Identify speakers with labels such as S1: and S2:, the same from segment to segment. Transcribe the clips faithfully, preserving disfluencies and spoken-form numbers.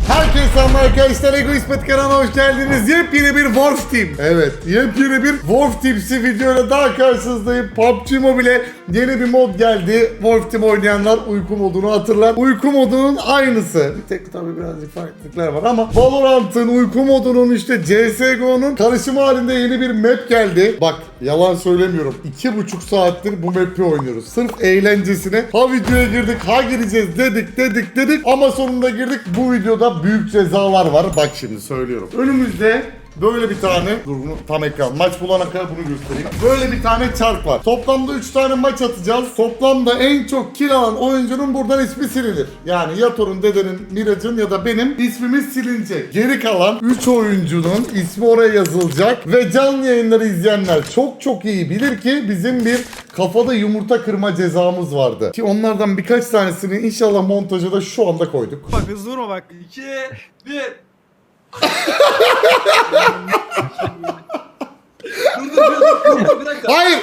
S1: Herkese selam arkadaşlar, Egoist Pet kanalına hoş geldiniz. Yepyeni bir Wolf Team. Evet, yepyeni bir Wolf Team'si videoyla daha karşınızdayım. P U B G Mobile yeni bir mod geldi. Wolf Team oynayanlar uyku modunu hatırlar. Uyku modunun aynısı. Bir tek tabii birazcık farklılıklar var ama Valorant'ın uyku modunun işte C S G O'nun karışımı halinde yeni bir map geldi. Bak yalan söylemiyorum. iki buçuk saattir bu map'i oynuyoruz. Sırf eğlencesine. Ha videoya girdik, ha gireceğiz dedik dedik dedik ama sonunda girdik. Bu videoda büyük cezalar var. Bak şimdi söylüyorum. Önümüzde böyle bir tane, dur bunu tam ekran, maç bulana kadar bunu göstereyim. Böyle bir tane çark var. Toplamda üç tane maç atacağız. Toplamda en çok kill alan oyuncunun buradan ismi silinir. Yani Yator'un, Dede'nin, Miraç'ın ya da benim ismimiz silinecek. Geri kalan üç oyuncunun ismi oraya yazılacak. Ve canlı yayınları izleyenler çok çok iyi bilir ki bizim bir kafada yumurta kırma cezamız vardı. Ki onlardan birkaç tanesini inşallah montaja da şu anda koyduk.
S2: Bak hızlı vurma bak. iki, bir. dur dur dur dur dur bir dakika.
S1: Hayır!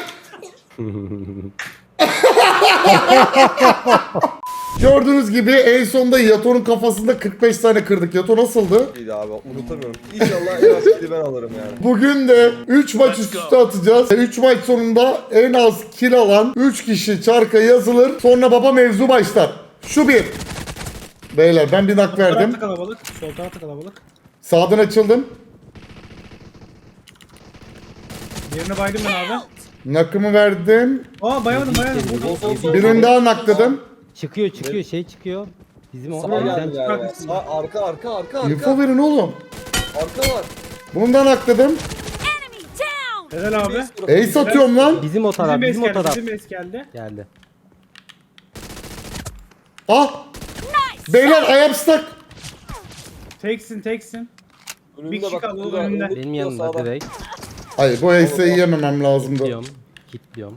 S1: Gördüğünüz gibi en sonda Yator'un kafasında kırk beş tane kırdık. Yator nasıldı?
S3: İyiydi abi, unutamıyorum. İnşallah en az kili ben alırım yani.
S1: Bugün de üç maç üst üste atacağız. üç maç sonunda en az kill alan üç kişi çarka yazılır. Sonra baba mevzu başlar. Şu bir. Beyler ben bir nak verdim.
S2: Tarafta kalabalık. Sol tarafta kalabalık.
S1: Sağdan açıldım.
S2: Yerine baydım ben abi.
S1: Nakımı verdim.
S2: Aa bayamadım bayamadım.
S3: Sol sol sol.
S1: Birini daha nakladım.
S4: Çıkıyor çıkıyor şey çıkıyor. Bizim o
S3: Sağ
S4: bizden
S3: geldi
S4: çıkıyor.
S3: yani. Sağ, arka arka arka arka.
S1: Info verin oğlum.
S3: Arka var.
S1: Bunu da nakladım.
S2: Helal abi.
S1: Ace atıyorum lan.
S4: Bizim o taraf,
S2: Bizim es
S4: bizim o
S2: geldi.
S4: taraf.
S2: Bizim es geldi.
S4: Geldi.
S1: Ah. Beyler ayağım stuck.
S2: Teksin teksin.
S3: Önünde
S2: Bir kişi
S3: bak,
S2: kaldı,
S3: burada,
S2: önünde.
S3: önünde
S4: Benim
S3: tutuyor
S4: yanımda
S3: sağda.
S4: direkt.
S1: Hayır bu Ace'i yememem lazımdı.
S4: Kilitliyorum. Kilitliyorum.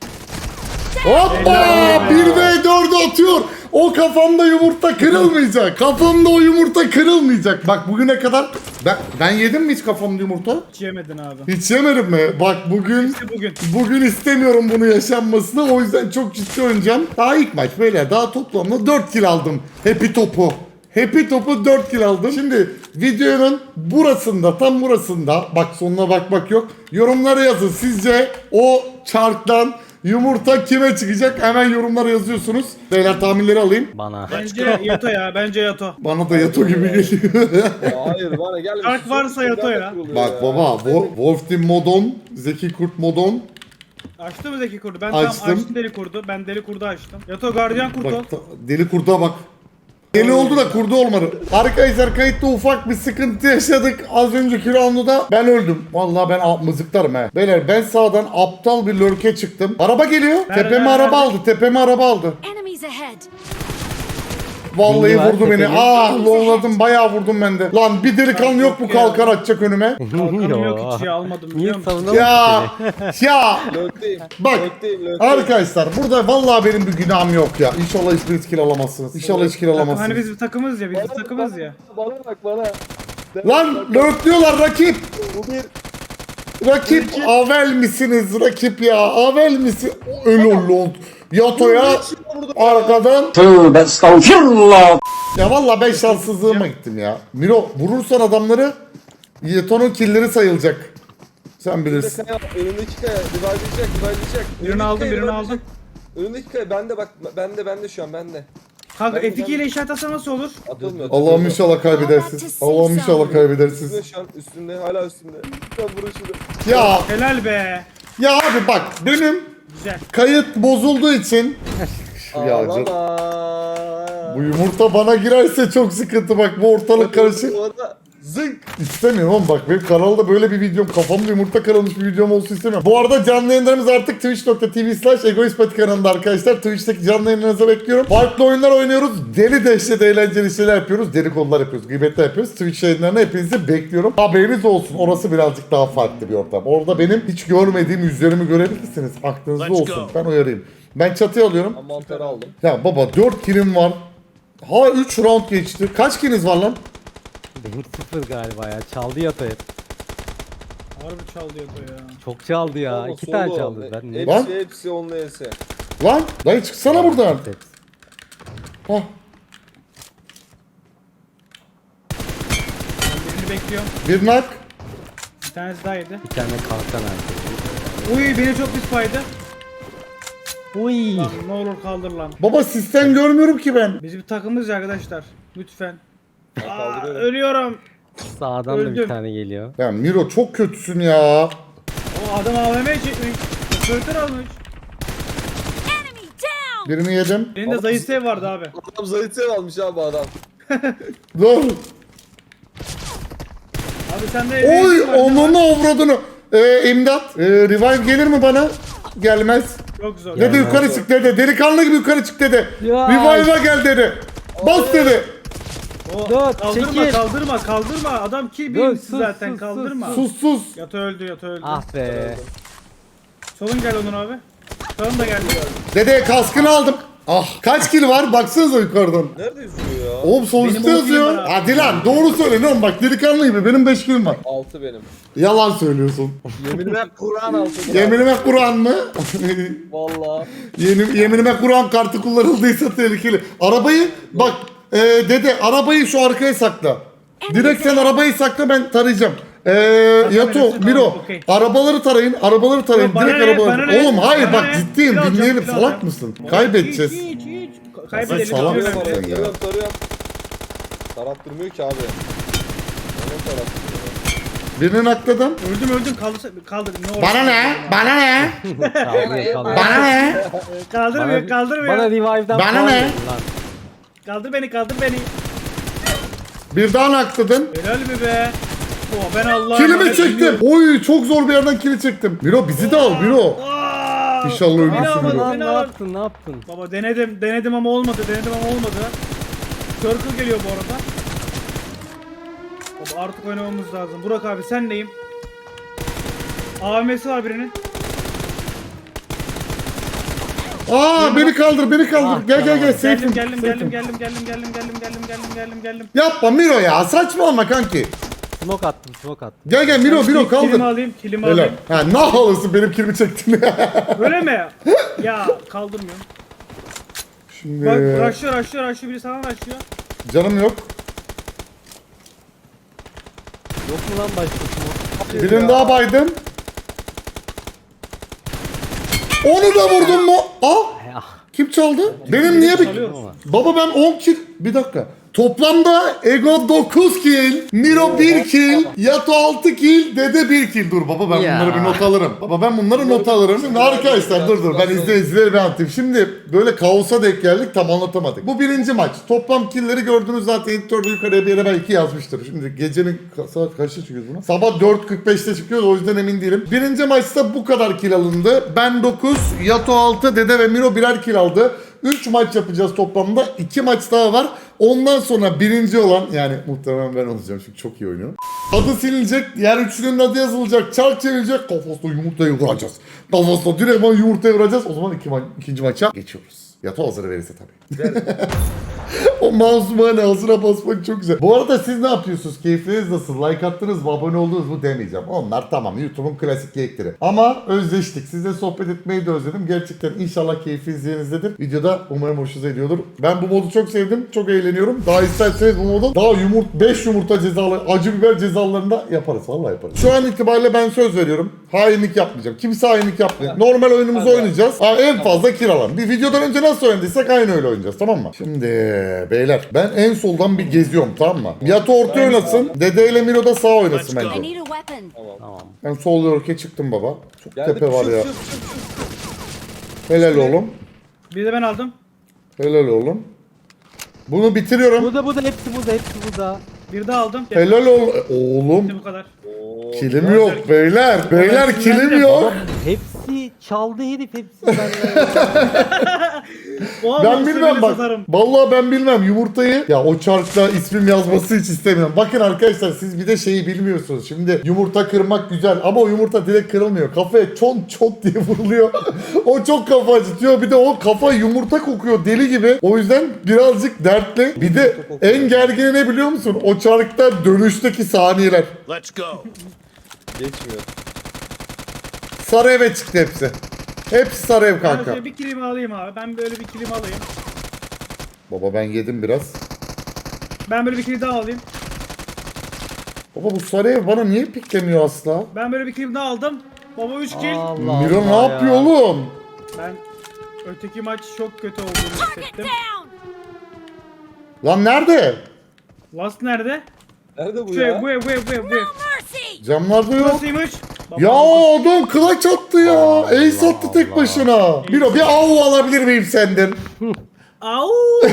S1: Hoppa! bir ve dördü atıyor. O kafamda yumurta kırılmayacak. Kafamda o yumurta kırılmayacak. Bak bugüne kadar ben, ben yedim mi hiç kafamda yumurta?
S2: Hiç yemedin abi.
S1: Hiç yemedim mi? Bak bugün
S2: İşte bugün.
S1: bugün istemiyorum bunu yaşanmasını. O yüzden çok ciddi oynayacağım. Daha ilk maç böyle. Daha toplamda dört kill aldım. Happy topu. Happy topu dört kill aldım. Şimdi videonun burasında, tam burasında, bak sonuna bakmak yok. Yorumlara yazın. Sizce o çarktan yumurta kime çıkacak? Hemen yorumlara yazıyorsunuz. Beyler tahminleri alayım.
S4: Bana.
S2: Bence Yato ya. Bence Yato.
S1: Bana da Yato gibi geliyor.
S3: Ya hayır bana gelmiş.
S2: Çark varsa yato ya.
S1: Bak baba, Wo- Wolf Team Modon, Zeki Kurt Modon.
S2: Açtı mı Zeki kurdu? Ben
S1: Açtım.
S2: tam açtım deli kurdu. Ben deli kurdu açtım. Yato gardiyan kurdu.
S1: Bak ta- deli kurda bak. Deli oldu da kurdu olmadı. Arkadaşlar kayıtta ufak bir sıkıntı yaşadık. Az önceki roundda ben öldüm. Vallahi ben a- mızıklarım he. Beyler ben sağdan aptal bir lurke çıktım. Araba geliyor.
S2: Nerede,
S1: Tepeme
S2: nerede,
S1: araba
S2: nerede?
S1: aldı. Tepeme araba aldı.
S5: Enemies ahead.
S1: Vallahi
S4: Bilgi var,
S1: vurdu beni.
S4: tepeli.
S1: Ah lovladım. Bayağı vurdum ben de. Lan bir delikanlı yok mu kalkar atacak önüme?
S2: Kalkanım yok hiç ya almadım
S4: Niye
S2: biliyor musun?
S4: savunalım
S1: Ya ya
S3: Lökteyim.
S1: bak
S3: Lökteyim lökteyim.
S1: arkadaşlar burada vallahi benim bir günahım yok ya. İnşallah hiçbir kill alamazsınız. İnşallah hiç kill
S2: Takım,
S1: alamazsınız.
S2: hani biz bir takımız ya, biz bir takımız ya.
S3: Bana bak bana.
S1: Lan lurkluyorlar rakip.
S3: Bu bir.
S1: Rakip avel misiniz rakip ya? Avel misin? Öyle oldu. Yato'ya arkadan.
S6: Tövbe estağfirullah.
S1: Ya vallahi ben şanssızlığıma gittim ya. Miro vurursan adamları Yato'nun killleri sayılacak. Sen bilirsin.
S3: Kaya, önündeki kaya. Divarlayacak divarlayacak.
S2: Birini aldım, birini aldım.
S3: Önündeki kaya bende bak. Bende bende şu an bende.
S2: Kanka
S3: Ben-
S2: F iki ile işaret atsa nasıl olur?
S3: Atılmıyor.
S1: Allah'ım inşallah kaybedersiniz. Allah'ım inşallah kaybedersiniz.
S3: Üstünde şu an üstünde hala üstünde. Lütfen vurun şunu.
S1: Ya
S2: Helal be.
S1: ya abi bak benim
S2: Güzel.
S1: kayıt bozulduğu için ya can-
S3: Ağlama.
S1: bu yumurta bana girerse çok sıkıntı bak bu ortalık karışık.
S3: Bu arada zınk.
S1: İstemiyorum oğlum bak benim kanalda böyle bir videom kafamda yumurta kırılmış bir videom olsun istemiyorum. Bu arada canlı yayınlarımız artık twitch nokta tv slash egoistpati kanalında arkadaşlar. Twitch'teki canlı yayınlarınızı bekliyorum. Farklı oyunlar oynuyoruz. Deli dehşet eğlenceli şeyler yapıyoruz. Deli konular yapıyoruz. Gıybetler yapıyoruz. Twitch yayınlarına hepinizi bekliyorum. Haberiniz olsun. Orası birazcık daha farklı bir ortam. Orada benim hiç görmediğim yüzlerimi görebilirsiniz. Aklınızda olsun. Ben uyarayım. Ben çatıya alıyorum.
S3: Ben mantarı aldım.
S1: Ya baba dört killim var. Ha üç round geçti. Kaç killiniz var lan?
S4: Benim sıfır galiba ya. Çaldı yatayı.
S2: Harbi çaldı Yato ya.
S4: Çok çaldı ya.
S3: Ama
S4: İki
S3: solo.
S4: tane çaldı. Ben ne?
S1: Lan.
S3: Hepsi hepsi onunla ese.
S1: Lan dayı çıksana buradan.
S4: Hepsi.
S1: Hah.
S2: bekliyorum.
S1: Bir nak.
S2: Bir tanesi daha yedi.
S4: Bir tane kalkan aldı.
S2: Uy beni çok pis paydı.
S4: Uy.
S2: Lan ne olur kaldır lan.
S1: Baba sistem görmüyorum ki ben.
S2: Biz bir takımız ya arkadaşlar. Lütfen. Aa,
S3: Kaldırıyorum.
S2: ölüyorum.
S4: Sağdan da
S2: Öldüm.
S4: bir tane geliyor.
S1: Ya Miro çok kötüsün ya.
S2: O adam A V M çekmiş. Operatör almış.
S5: Enemy down!
S1: Birini yedim.
S2: Elinde zayıf sev vardı abi.
S3: Adam zayıf sev almış abi adam.
S1: Dur.
S2: Abi sende
S1: Oy
S2: elinde var,
S1: onunu avradını. Ee, imdat. Ee, revive gelir mi bana? Gelmez.
S2: Çok zor.
S1: Dede yukarı çık dede. Delikanlı gibi yukarı çık dede.
S4: Ya.
S1: Revive'a gel dede. Bas dede.
S2: O,
S4: Dur,
S2: kaldırma
S4: çekil.
S2: kaldırma kaldırma. Adam kill
S4: Dur,
S2: bilmiş
S4: sus,
S2: zaten
S4: sus,
S2: kaldırma.
S4: sus,
S1: Sus sus.
S2: Yatı öldü yatı öldü.
S4: Ah be.
S2: Solun gel Onur abi. Sağın da geldi.
S1: Dede kaskını aldım. Ah kaç kill var baksanıza yukarıdan.
S3: Nerede yüzüyor ya?
S1: Oğlum sol üstte
S2: Benim on
S1: yazıyor.
S2: killim var abi.
S1: Hadi lan doğru söyle ne oğlum bak delikanlı gibi benim beş killim var.
S3: altı benim.
S1: Yalan söylüyorsun.
S3: Yeminime Kur'an altı.
S1: Yeminime Kur'an mı?
S3: Valla.
S1: Yemin, yeminime Kur'an kartı kullanıldıysa tehlikeli. Arabayı bak e, dede arabayı şu arkaya sakla. Direkt sen arabayı sakla ben tarayacağım. Ee, Yato,
S2: verirsin,
S1: Miro,
S2: tamam, okey.
S1: arabaları tarayın, arabaları tarayın,
S2: Yok, bana
S1: direkt
S2: ne,
S1: arabaları.
S2: bana ne,
S1: Oğlum hayır
S2: bana
S1: bak
S2: ne?
S1: ciddiyim,
S2: Kilo alacağım,
S1: dinleyelim,
S2: kilo
S1: salak
S2: alacağım.
S1: mısın? Kaybedeceğiz.
S2: Hiç hiç hiç.
S1: Sen
S2: Kaybedelim.
S1: salak
S2: Tarıyorum
S1: mısın?
S2: ben.
S1: ya.
S3: Tarıyorum tarıyorum. Tarattırmıyor ki abi. Bana tarattırıyor.
S1: Birini akladım.
S2: Öldüm öldüm kaldır kaldır. Ne olur.
S1: Bana ne? Bana ne?
S4: Kaldırıyor kaldırıyor.
S1: Bana ne?
S2: Kaldırmıyor
S4: Bana,
S2: kaldırmıyor.
S4: bana revive'dan
S1: Bana
S4: puan
S1: ne?
S4: verin lan.
S2: Kaldır beni kaldır beni.
S1: Bir daha nakladın.
S2: Helal mi be? Oh, ben Allah'ım.
S1: Kilimi çektim. Oy çok zor bir yerden kili çektim. Miro bizi de al Miro. İnşallah ölürsün
S2: Beni alma,
S1: Miro.
S4: Lan
S2: beni
S4: ne
S2: al.
S4: yaptın ne yaptın?
S2: Baba denedim denedim ama olmadı denedim ama olmadı. Circle geliyor bu arada. Baba artık oynamamız lazım. Burak abi sen neyim? A V M'si var birinin.
S1: Aa beni kaldır beni kaldır. Gel gel gel
S2: Geldim
S1: safe'im.
S2: geldim
S1: safe'im.
S2: geldim geldim geldim geldim geldim geldim geldim geldim geldim
S1: Yapma Miro ya saçmalama kanki.
S4: Smoke attım smoke attım.
S1: Gel gel Miro Miro
S2: Kilimi
S1: kaldır.
S2: alayım kilimi
S1: Helal.
S2: alayım.
S1: Ha ne halısı benim kilimi çektin.
S2: Öyle mi? Ya kaldırmıyorum.
S1: Şimdi
S2: Bak rushlıyor rushlıyor rushlıyor biri sana rushlıyor.
S1: canım yok.
S4: Yok mu lan başka smoke?
S1: Birini daha baydım. Onu da vurdun mu? Aa
S4: Ah.
S1: kim çaldı? Benim niye bir...
S2: Çalıyoruz.
S1: Baba ben on kill... Bir dakika. Toplamda Ego dokuz kill, Miro bir kill, Yato altı kill, Dede bir kill. Dur baba ben
S4: Ya.
S1: bunları bir not alırım. Baba ben bunları not alırım. Şimdi arkadaşlar dur dur ben izleyicileri bir anlatayım. Şimdi böyle kaosa denk geldik tam anlatamadık. Bu birinci maç. Toplam killleri gördünüz zaten editörde yukarıya bir yere belki yazmıştır. Şimdi gecenin ka- saat kaçta çıkıyoruz buna? Sabah dört kırk beşte çıkıyoruz o yüzden emin değilim. Birinci maçta bu kadar kill alındı. Ben dokuz, Yato altı, Dede ve Miro birer kill aldı. üç maç yapacağız toplamda. iki maç daha var. Ondan sonra birinci olan yani muhtemelen ben olacağım çünkü çok iyi oynuyorum. Adı silinecek, diğer üçlünün adı yazılacak, çark çevirecek, kafasına yumurtayı vuracağız. Kafasına direktman yumurtayı vuracağız. O zaman iki ma- ikinci maça geçiyoruz. Yato hazır verirse tabii. O mouse'u hani hazıra basmak çok güzel. Bu arada siz ne yapıyorsunuz? Keyfiniz nasıl? Like attınız mı? Abone oldunuz mu demeyeceğim. Onlar tamam YouTube'un klasik geyikleri. Ama özleştik. Sizle sohbet etmeyi de özledim. Gerçekten inşallah keyfiniz yerinizdedir. Videoda umarım hoşunuza gidiyordur. Ben bu modu çok sevdim. Çok eğleniyorum. Daha isterseniz bu modu daha yumurt beş yumurta cezalı, acı biber cezalarında yaparız. Vallahi yaparız. Şu an itibariyle ben söz veriyorum. Hainlik yapmayacağım. Kimse hainlik yapmayacak. Normal oyunumuzu oynayacağız. Aa, en fazla kiralan. Bir videodan önce nasıl oynadıysak aynı öyle oynayacağız. Tamam mı? Şimdi beyler ben en soldan bir geziyorum tamam mı? Yato orta oynasın. Dede ile Miro da sağ oynasın
S5: I
S1: bence.
S5: need a weapon.
S4: Tamam.
S1: Ben sol yorke çıktım baba. Çok
S3: Geldi.
S1: tepe var
S3: Şut,
S1: ya.
S3: şut, şut, şut.
S1: Helal oğlum.
S2: Bir de ben aldım.
S1: Helal oğlum. Bunu bitiriyorum.
S4: Bu da bu da hepsi bu da hepsi bu da.
S2: Bir daha aldım.
S1: Helal ol oğlum.
S2: Bu kadar.
S3: Oo,
S1: Kilim yok beyler. Beyler kilim yok.
S4: Baba hepsi çaldı herif hepsi benden.
S2: Oha,
S1: Ben
S2: monster
S1: bilmem
S2: bile
S1: bak.
S2: satarım.
S1: Vallahi ben bilmem yumurtayı. Ya o çarkta ismim yazması hiç istemiyorum. Bakın arkadaşlar siz bir de şeyi bilmiyorsunuz. Şimdi yumurta kırmak güzel ama o yumurta direkt kırılmıyor. Kafaya çont çont diye vuruluyor. O çok kafa acıtıyor. Bir de o kafa yumurta kokuyor deli gibi. O yüzden birazcık dertli. Bir de en gergini ne biliyor musun? O çarkta dönüşteki saniyeler.
S7: Let's go.
S3: Geçmiyor.
S1: Sarı eve çıktı hepsi. Hepsi sarı ev
S2: Ben
S1: kanka.
S2: şöyle bir kilimi alayım abi. Ben böyle bir kilimi alayım.
S1: Baba ben yedim biraz.
S2: Ben böyle bir kilim daha alayım.
S1: Baba bu sarı ev bana niye piklemiyor asla?
S2: Ben böyle bir kill daha aldım. Baba üç kill.
S4: Allah
S1: Miro ne
S4: Allah
S1: yapıyor
S4: ya.
S1: oğlum?
S2: Ben öteki maç çok kötü olduğunu
S5: Target
S2: hissettim.
S5: down.
S1: Lan nerede?
S2: Last nerede?
S3: Nerede bu
S2: Şu
S3: ya?
S2: ev, bu ev, bu ev, bu ev, bu ev.
S5: Mercy.
S1: Camlarda yok.
S2: Burasıymış. Baba,
S1: Ya adam clutch attı ya. Ace attı tek
S4: Allah.
S1: başına. Miro bir av alabilir miyim senden?
S2: Au!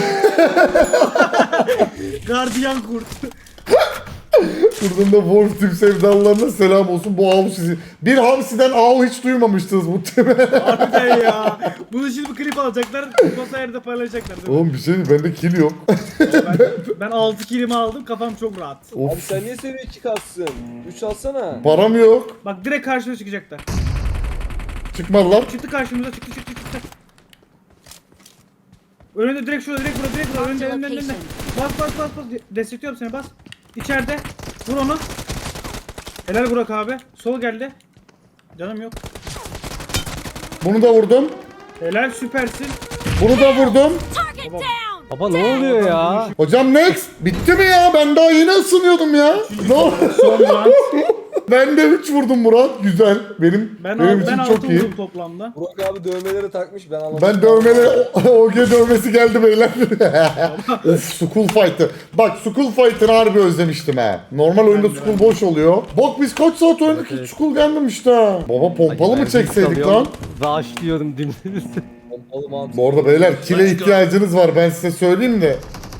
S2: Gardiyan kurt.
S1: Buradan da Wolf Team sevdalılarına selam olsun. Bu av sizi. Bir hamsiden av hiç duymamıştınız muhtemelen.
S2: Harbiden ya. Bunu şimdi bir klip alacaklar. Sosyal yerde paylaşacaklar. Değil mi?
S1: Oğlum bir şey değil, bende kill yok.
S2: Ben, ben altı killimi aldım. Kafam çok rahat.
S3: Abi
S1: Of,
S3: sen niye seviye iki kalsın? üç alsana.
S1: param yok.
S2: Bak direkt karşıma çıkacaklar.
S1: Çıkmadılar.
S2: Çıktı karşımıza, çıktı çıktı çıktı. Önünde direkt şurada, direkt burada, direkt burada. Önünde, önünde, önünde. Bas bas bas bas. Destekliyorum seni, bas. İçeride. Vur onu. Helal Burak abi. Sol geldi. Canım yok.
S1: Bunu da vurdum.
S2: Helal, süpersin.
S1: Bunu da vurdum.
S5: Target down.
S4: Baba ne oluyor ya?
S1: Hocam next. Bitti mi ya? Ben daha yeni ısınıyordum ya. Ne oldu?
S2: Son round.
S1: Ben de üç vurdum Murat. Güzel. Benim
S2: Ben,
S1: benim
S2: al,
S1: için
S2: ben
S1: çok
S2: altı
S1: iyi.
S2: vurdum toplamda.
S3: Burak abi dövmeleri takmış ben anlamadım.
S1: Ben dövmeli O G dövmesi geldi beyler. Of School Fight'ı. Bak School Fight'ını harbi özlemiştim ha. Normal oyunda
S2: Ben de,
S1: School
S2: ben de.
S1: boş oluyor. Bak biz kaç saat oynadık hiç School gelmemişti ha. Baba pompalı mı çekseydik lan?
S4: Raşlıyorum dümdüz.
S3: Pompalı mantı.
S1: Bu arada beyler kile ihtiyacınız var, ben size söyleyeyim de.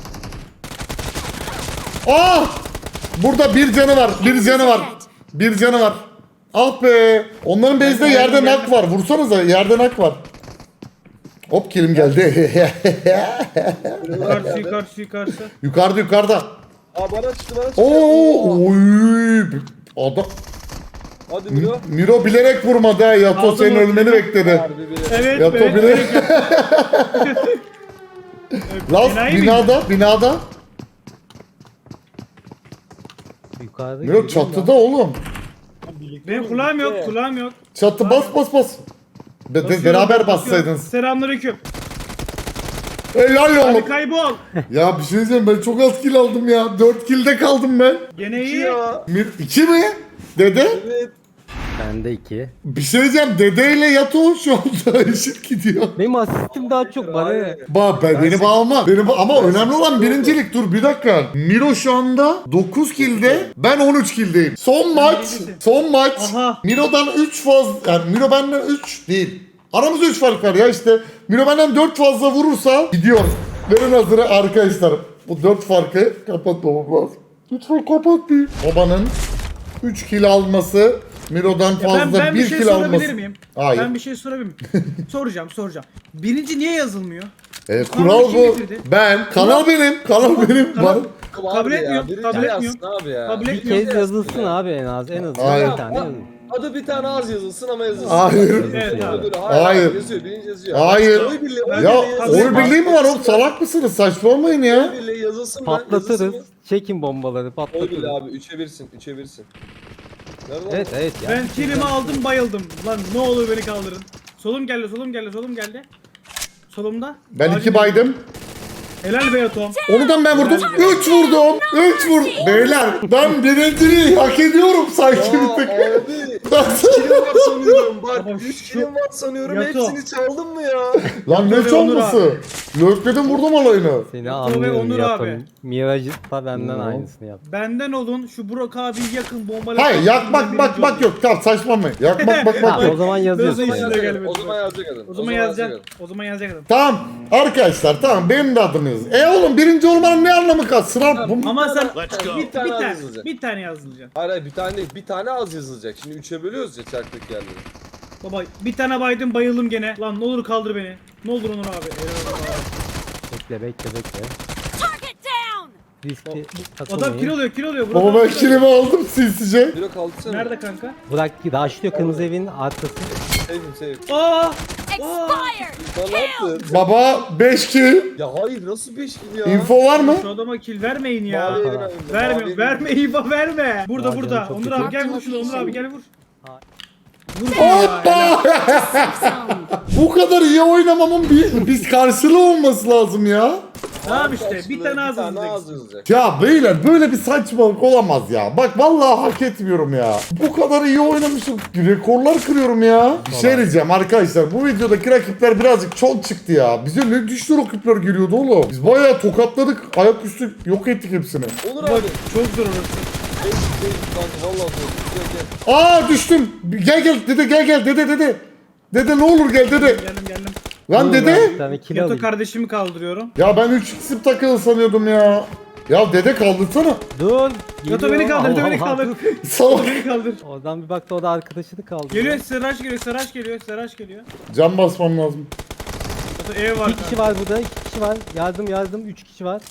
S1: Ah! Burada bir canı var, bir canı var. Bir canı var. Ah be! Onların base'de yerde nak var. Vursanıza, yerde nak var. Hop kilim geldi.
S2: Yukarısı, yukarısı, yukarısı.
S1: yukarıda yukarıda.
S3: Aa bana çıktı bana çıktı.
S1: Oo! Oy! Adam
S3: Hadi Miro.
S1: Miro bilerek vurmadı ha. Yato
S2: Aldım
S1: senin
S2: o
S1: ölmeni
S2: kili.
S1: bekledi.
S3: Harbi bile.
S2: Evet,
S1: Yato
S2: evet.
S1: bilerek. Last
S2: Enayi
S1: binada, binada.
S4: Yukarıda
S1: Miro
S4: gidiyor
S1: çatıda oğlum.
S2: Benim kulağım yok, kulağım yok.
S1: Çatı bas bas bas. Be- be-
S2: Basıyorum,
S1: beraber
S2: basıyorum.
S1: bassaydınız.
S2: Selamünaleyküm.
S1: Helal
S2: Hadi
S1: oğlum.
S2: kaybol.
S1: Ya bir şey diyeceğim, ben çok az kill aldım ya. dört kill'de kaldım ben.
S2: Gene iyi.
S3: Ya.
S1: Bir, iki mi? Dede?
S3: Evet.
S4: Bende iki.
S1: Bir şey diyeceğim, dedeyle Yato şu anda eşit gidiyor.
S4: Benim asistim daha çok bana ne?
S1: Ba ben, beni bağlama. Beni ba- ama önemli olan birincilik. Dur bir dakika. Miro şu anda dokuz kill'de, ben on üç kill'deyim. Son maç,
S2: birincisin.
S1: son maç.
S2: Aha.
S1: Miro'dan üç fazla, yani Miro benden üç değil. Aramızda üç fark var ya işte. Miro benden dört fazla vurursa gidiyor. Verin hazırı arkadaşlar. Bu dört farkı kapatmamam lazım. Lütfen kapatmayın. Babanın üç kill alması, Miro'dan
S2: Ya
S1: fazla
S2: ben, ben bir
S1: bir
S2: şey
S1: kill
S2: sorabilir
S1: alması.
S2: miyim?
S1: Hayır.
S2: Ben bir şey sorabilir miyim? soracağım, soracağım. Birinci niye yazılmıyor?
S1: E,
S2: Kanal
S1: kural
S2: kim
S1: bu.
S2: getirdi?
S1: Ben, kanal benim, kanal benim.
S2: Kanal-
S1: Bana-
S2: Kabul
S3: Abi ya,
S2: etmiyorum,
S3: birinci
S2: kabul
S3: yazsın
S2: etmiyorum.
S3: Abi ya.
S2: Kabul
S4: Bir
S2: etmiyorum.
S4: kez yazılsın abi en az. En az
S1: Hayır.
S4: bir tane. yazılsın.
S3: Adı bir tane az yazılsın ama yazılsın.
S1: Hayır.
S2: Evet abi.
S3: Öbürü- Hayır.
S1: Hayır.
S3: Hayır. Yazıyor. Birinci yazıyor.
S1: Hayır.
S3: Oy birliği, oy
S2: Ya,
S3: birliği
S1: Ya
S3: yazılsın.
S1: oy birliği mi var oğlum? Salak mısınız? Saçmalamayın ya.
S3: Oy birliği yazılsın.
S4: Patlatırız.
S3: Yazılsın.
S4: Çekin bombaları
S3: Oy
S4: patlatırız.
S3: birliği abi. Üçe birsin. Üçe birsin. Nerede lan?
S4: Evet evet ya.
S2: Ben kilimi aldım, bayıldım. Lan ne olur beni kaldırın. Solum geldi, solum geldi, solum geldi. Solumda.
S1: Ben
S2: Acil-
S1: iki baydım.
S2: Helal be Tom.
S1: Onu ben vurdum. Üç vurdum. Üç vurdum. Beyler ben birinciliği hak ediyorum sanki
S3: Ya
S1: bir tık.
S3: abi.
S1: Nasıl?
S3: Kilim var sanıyorum. Bak
S2: Baba
S3: üç
S2: şu-
S3: kilim var sanıyorum.
S2: Yato.
S3: Hepsini çaldın mı ya?
S1: Lan ne
S2: Yato ve
S1: çalması? Lökledim vurdum alayını.
S4: Seni
S2: ve
S4: anlıyorum
S2: Onur
S4: Yaton.
S2: abi.
S4: Miraj da benden
S1: Hmm.
S4: aynısını yaptı.
S2: Benden olun, şu Burak abi yakın bombalı.
S1: Hayır yakmak bak bak yok. Tamam saçmalamayın. Yakmak bak bak
S4: Ha, o
S1: yok.
S4: zaman yazıyorsun.
S2: Nasıl
S4: yani.
S2: işine gelmedi?
S3: O zaman yazacak adam.
S2: O zaman yazacaksın. O zaman yazacaksın.
S1: Tamam arkadaşlar tamam benim de adım yazın. E oğlum birinci olmanın ne anlamı kaldı? Sıra bu mu?
S2: Ama sen
S3: go.
S2: bir,
S3: Bir tane
S2: bir tane,
S3: yazılacak.
S2: bir tane yazılacaksın.
S3: Hayır hayır bir tane değil. Bir tane az yazılacak. Şimdi üçe bölüyoruz ya çarptık yerleri.
S2: Baba bir tane baydım, bayıldım gene. Lan ne olur kaldır beni. Ne olur Onur abi. Eyvallah abi.
S4: Bekle bekle bekle.
S5: Target down.
S4: Riski
S2: Adam
S4: atılmayın.
S2: kilo oluyor, kilo oluyor.
S1: Baba ben kilimi aldım sinsice.
S3: Miro kaldı sen.
S2: Nerede kanka?
S4: Bırak raşlıyor kırmızı evin arkası.
S3: Sevdim sevdim.
S2: Aa!
S5: Expired.
S3: Sen ne yaptın?
S1: Baba beş kill.
S3: Ya hayır nasıl beş kill ya?
S1: Info var mı?
S2: Şu adama kill vermeyin ya.
S3: Mavi evin
S4: Para.
S3: önünde,
S2: Verme,
S3: mavi evin
S2: verme İva verme. Burada
S4: Aa,
S2: burada.
S4: canım çok
S2: Onur
S4: kötü.
S2: abi gel vur şunu. Onur abi gel vur.
S4: Ha.
S2: Vur şunu ya. helal.
S1: Bu kadar iyi oynamamın bir, bir karşılığı olması lazım ya.
S2: Tamam işte,
S3: Karşılığı
S2: bir tane az
S3: az
S2: yazacaksın.
S3: yazacak.
S1: Ya beyler böyle bir saçmalık olamaz ya. Bak vallahi hak etmiyorum ya. Bu kadar iyi oynamışım. Rekorlar kırıyorum ya. Bir şey diyeceğim arkadaşlar. Bu videodaki rakipler birazcık çok çıktı ya. Bize ne düştü rakipler geliyordu oğlum. Biz bayağı tokatladık. Ayaküstü yok ettik hepsini.
S3: Onur
S2: Bak
S3: abi.
S2: çok zor orası.
S3: Ey, ey, kanka vallahi zor. Gel, gel.
S1: Aa düştüm. Gel gel dede gel gel dede dede. Dede ne olur gel dede.
S2: Geldim geldim.
S1: Lan
S4: Dur, ben
S1: dede.
S4: Bir tane kill
S2: Yato
S4: alayım.
S2: kardeşimi kaldırıyorum.
S1: Ya ben üç isim takılı sanıyordum ya. Ya dede kaldırsana.
S4: Dur.
S2: Yato
S4: geliyor.
S2: beni kaldır, Yato
S4: Allah
S2: beni
S4: Allah,
S2: kaldır.
S4: dur.
S1: Salak.
S2: Beni kaldır.
S4: Oradan bir baktı o da arkadaşını kaldırdı.
S2: Geliyor, Seraş geliyor, Seraş geliyor, Seraş geliyor.
S1: Can basmam lazım.
S2: Yato ev var.
S4: İki kişi var burada, iki kişi var. Yardım yardım, üç kişi var.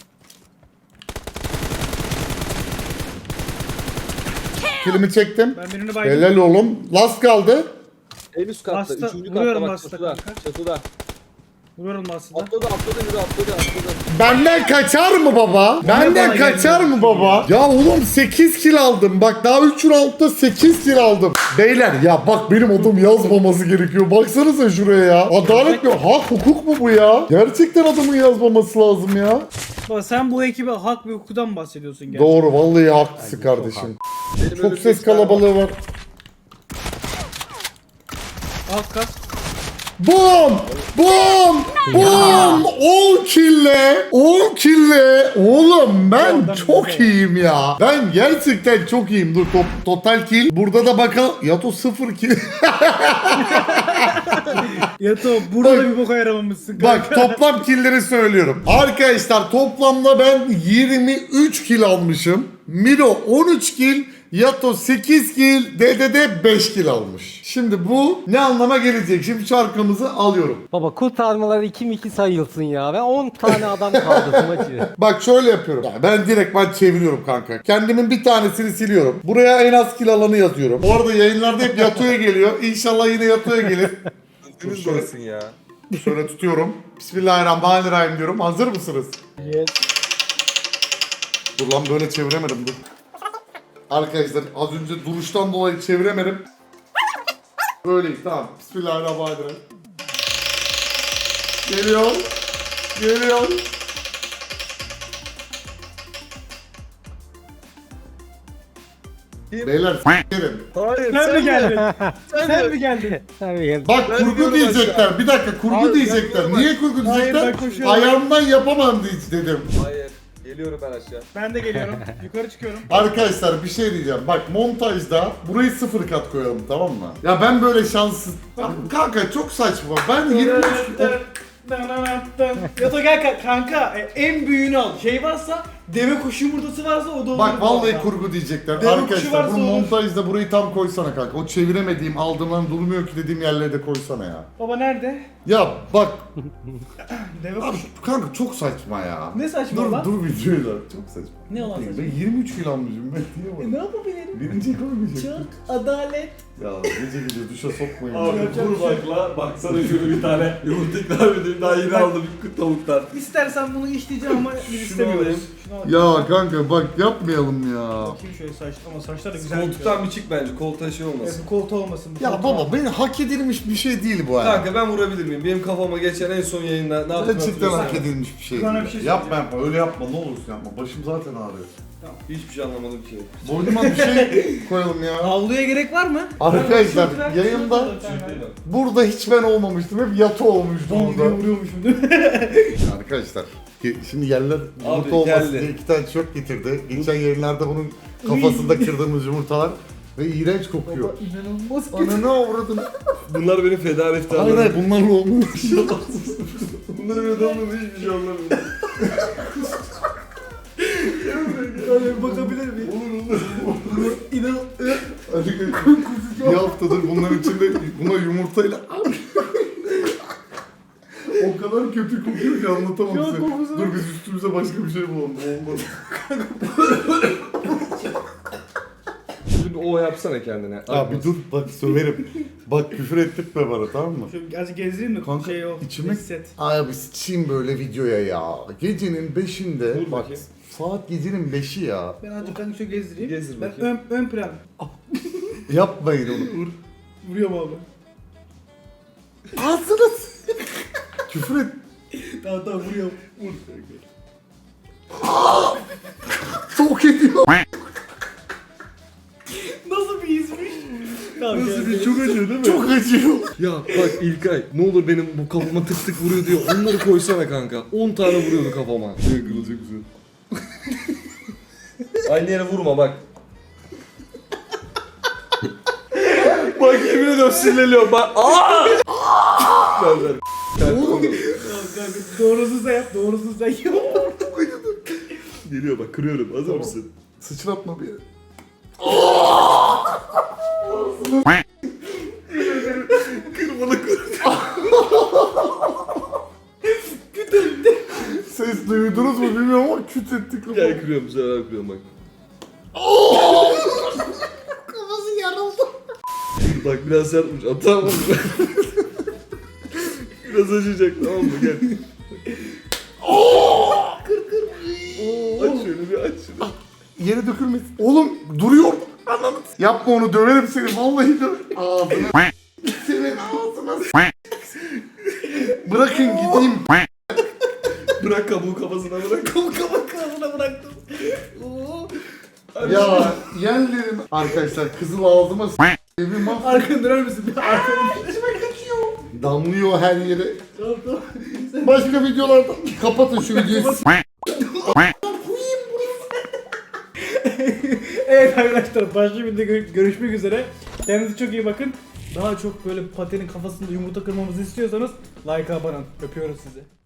S1: Kilimi çektim.
S2: Ben birini baydım.
S1: Helal oğlum. Last kaldı.
S3: En üst katta.
S2: Bastı,
S3: Üçüncü
S2: vuruyorum
S3: katta bak
S2: bastı
S3: çatıda.
S2: kanka.
S3: Çatıda.
S2: Vuruyorum aslında.
S3: Atladı atladı yürü atladı atladı.
S1: Benden kaçar mı baba? Benden
S2: bana
S1: kaçar
S2: gelmiyor.
S1: mı baba? Ya oğlum sekiz kill aldım. Bak daha üç roundda sekiz kill aldım. Beyler ya bak benim adım yazmaması gerekiyor. Baksanıza şuraya ya. Adalet mi? Hak hukuk mu bu ya? Gerçekten adımın yazmaması lazım ya.
S2: Baba sen bu ekibe hak ve hukudan bahsediyorsun gerçekten.
S1: Doğru vallahi haklısın
S4: Bence çok
S1: kardeşim.
S3: Benim
S1: Çok
S3: önümde
S1: ses
S3: bir tane var.
S1: kalabalığı var.
S2: Alt kat.
S1: Bum! Bum! Bum! on kille! on kille! Oğlum ben
S2: Oradan
S1: çok
S2: bize.
S1: iyiyim ya. Ben gerçekten çok iyiyim. Dur top, total kill. Burada da bakalım. Yato sıfır kill.
S2: Yato burada
S1: Bak-
S2: da bir boka yaramamışsın kanka.
S1: Bak toplam killleri söylüyorum. Arkadaşlar toplamda ben yirmi üç kill almışım. Miro on üç kill. Yato sekiz kill. Dede de beş kill almış. Şimdi bu ne anlama gelecek? Şimdi şarkımızı alıyorum.
S4: Baba kurtarmalar iki mi iki sayılsın ya. Ben on tane adam kaldırdım acı.
S1: Bak şöyle yapıyorum. Ya ben direkt ben çeviriyorum kanka. Kendimin bir tanesini siliyorum. Buraya en az kill alanı yazıyorum. Bu arada yayınlarda hep Yato'ya geliyor. İnşallah yine Yato'ya gelir.
S3: Deniz burasın ya.
S1: Şöyle tutuyorum. Bismillahirrahmanirrahim diyorum. Hazır mısınız?
S2: Yes.
S1: Dur lan böyle çeviremedim dur. Arkadaşlar az önce duruştan dolayı çeviremedim. Böyleyiz tamam. Bismillahirrahmanirrahim. Geliyor. Geliyor. Beyler s**erim.
S3: Hayır
S2: Sen mi geldin?
S3: Sen
S2: Sen
S3: mi?
S2: mi geldin?
S4: Tabii gel.
S1: Bak
S3: Ben
S1: kurgu
S3: gidiyorum
S1: diyecekler. Bir dakika kurgu
S3: Hayır,
S1: diyecekler.
S3: ben
S1: Niye kurgu
S2: Hayır,
S1: diyecekler?
S2: ben koşuyorum.
S1: Ayağımdan yapamam hiç dedim.
S3: Hayır. Geliyorum ben aşağı.
S2: Ben de geliyorum. Yukarı çıkıyorum.
S1: Arkadaşlar bir şey diyeceğim. Bak montajda burayı sıfır kat koyalım tamam mı? Ya ben böyle şanssız... Kanka çok saçma. Ben yirmi üç...
S2: Yato gel ka- kanka e, en büyüğünü al. Şey varsa deve kuşu yumurtası varsa o da olur.
S1: Bak vallahi
S2: kanka.
S1: kurgu diyecekler.
S2: Demek kuşu
S1: Arkadaşlar
S2: varsa
S1: bu
S2: olur.
S1: montajda burayı tam koysana kanka. O çeviremediğim, aldığımdan durmuyor ki dediğim yerlere de koysana ya.
S2: Baba nerede?
S1: Ya bak
S2: Deve
S1: abi
S2: kuşu.
S1: kanka çok saçma ya.
S2: Ne saçma
S1: dur,
S2: lan?
S1: Dur videoyu da. Çok saçma.
S2: Ne olan saçma?
S1: Ben yirmi üç kilo almışım ben diye
S2: E,
S1: bak.
S2: ne yapabilirim?
S1: Birinci koymayacak.
S2: Çok adalet.
S1: Ya gece gece duşa sokmayın.
S7: Abi
S2: Yapacak
S7: vur
S2: bir şey yok.
S7: bakla, baksana şöyle bir tane yumurta ikram edeyim, daha yeni aldım bir tavuktan.
S2: İstersen bunu işleyeceğim ama biz
S7: Şunu
S2: istemiyoruz.
S7: alayım.
S2: Şunu al.
S1: Ya kanka bak yapmayalım ya.
S2: Bakayım şöyle saç ama saçlar da güzel.
S7: Koltuktan bir çık bence, koltuğa şey
S2: Evet,
S7: olmasın.
S2: bu koltuğu olmasın. bu
S1: Ya
S2: koltuğu
S1: baba
S2: al.
S1: benim hak edilmiş bir şey değil bu ya.
S7: Kanka ben vurabilir miyim? Benim kafama geçen en son yayında ne yaptım
S1: Gerçekten
S7: hatırlıyorsun
S1: hak
S7: değil mi?
S1: edilmiş bir şey.
S2: Bana
S1: değil.
S2: bir şey
S1: yapma yapma öyle yapma ne olursun yapma. Başım zaten ağrıyor.
S7: Hiçbir şey anlamadım ki.
S1: Boynuma bir şey koyalım ya.
S2: Havluya gerek var mı?
S1: Arkadaşlar
S2: Ben şunu
S1: yayında
S2: bırak-
S7: Şey değil o.
S1: burada hiç ben olmamıştım. Hep Yato olmuştu
S2: Bom diye
S1: burada.
S2: vuruyormuşum değil mi?
S1: Arkadaşlar ki- şimdi yerler yumurta
S7: Abi,
S1: olmasın
S7: geldi.
S1: diye iki tane tişört getirdi. Geçen yayınlarda bunun kafasında kırdığımız yumurtalar ve iğrenç kokuyor.
S2: Baba inanılmaz kötü.
S1: Ananı avradın.
S7: Bunlar benim feda
S1: Hayır
S7: iftarlarım.
S1: hayır bunlarla olmuş.
S7: Bunları böyle olmadı hiçbir şey anlamıyorum.
S2: Öyle bakabilir miyim? Olur olur. İnan...
S1: Bir haftadır bunların içinde buna yumurtayla o kadar kötü kokuyor ki anlatamam
S2: Çok
S1: size.
S2: kokusu
S1: Dur
S2: var.
S1: biz üstümüze başka bir şey bulalım. Olmaz.
S7: Şimdi o yapsana kendine.
S1: Ya bir dur bak söverim. Bak küfür ettirtme bana tamam mı?
S2: Şöyle azıcık gezdireyim mi?
S1: Kanka,
S2: şey o.
S1: içime-
S2: Hisset.
S1: Ay bir sıçayım böyle videoya ya. Gecenin beşinde
S7: Dur
S1: bak
S7: bakayım.
S1: saat gecenin beşi ya.
S2: Ben azıcık kanka şöyle gezdireyim.
S7: Gezdir
S2: ben
S7: bakayım.
S2: ön, ön plan.
S1: Yapmayın onu.
S2: Vuruyorum abi.
S1: Ağzını s- Küfür et.
S2: Tamam tamam vuruyorum.
S1: Çok ediyor.
S2: Nasıl bir izmiş? Tamam,
S7: Nasıl
S2: gel,
S7: bir
S2: gel.
S7: çok acıyor değil mi?
S1: Çok acıyor.
S7: Ya bak İlkay ne olur benim bu kafama tık tık vuruyor diyor. Onları koysana kanka. on tane vuruyordu kafama. Şey kırılacak güzel. Aynı yere vurma bak. Bak yemin ediyorum sinirleniyorum bak. Aaa! Ver ver.
S1: Oğlum.
S2: Tamam kanka, doğrusunu sen yap, doğrusunu sen yap.
S7: Geliyor bak kırıyorum. Hazır mısın?
S1: Sıçratma bir yere.
S7: Kırmalı kır.
S1: Ses duydunuz mu bilmiyorum ama küt ettik.
S7: Gel kırıyorum bu sefer kırıyorum bak.
S1: Kafası yarıldı.
S7: Bak biraz sert vuracağım tamam mı? Biraz acıyacak tamam mı gel.
S1: Kır kır.
S7: Aç şöyle bir aç şunu.
S1: Yere dökülmesin. Oğlum duruyor. Ananı. Yapma onu, döverim seni. Vallahi döv. Ağzına. Senin ağzına. Bırakın gideyim.
S7: Bırak kabuğu kafasına bırak.
S2: Kamu kamu kafasına bıraktım. Oo.
S1: Ya yerlerim. Arkadaşlar kızıl ağzıma s*** evi mahv.
S2: Arkanı döner misin? Bir arkanı
S1: Damlıyor her yere.
S2: Tamam tamam.
S1: Başka videolarda kapatın şu videoyu.
S2: Evet arkadaşlar, başka bir videoda gö- görüşmek üzere. Kendinize çok iyi bakın. Daha çok böyle patenin kafasında yumurta kırmamızı istiyorsanız like'a abone olun. Öpüyoruz sizi.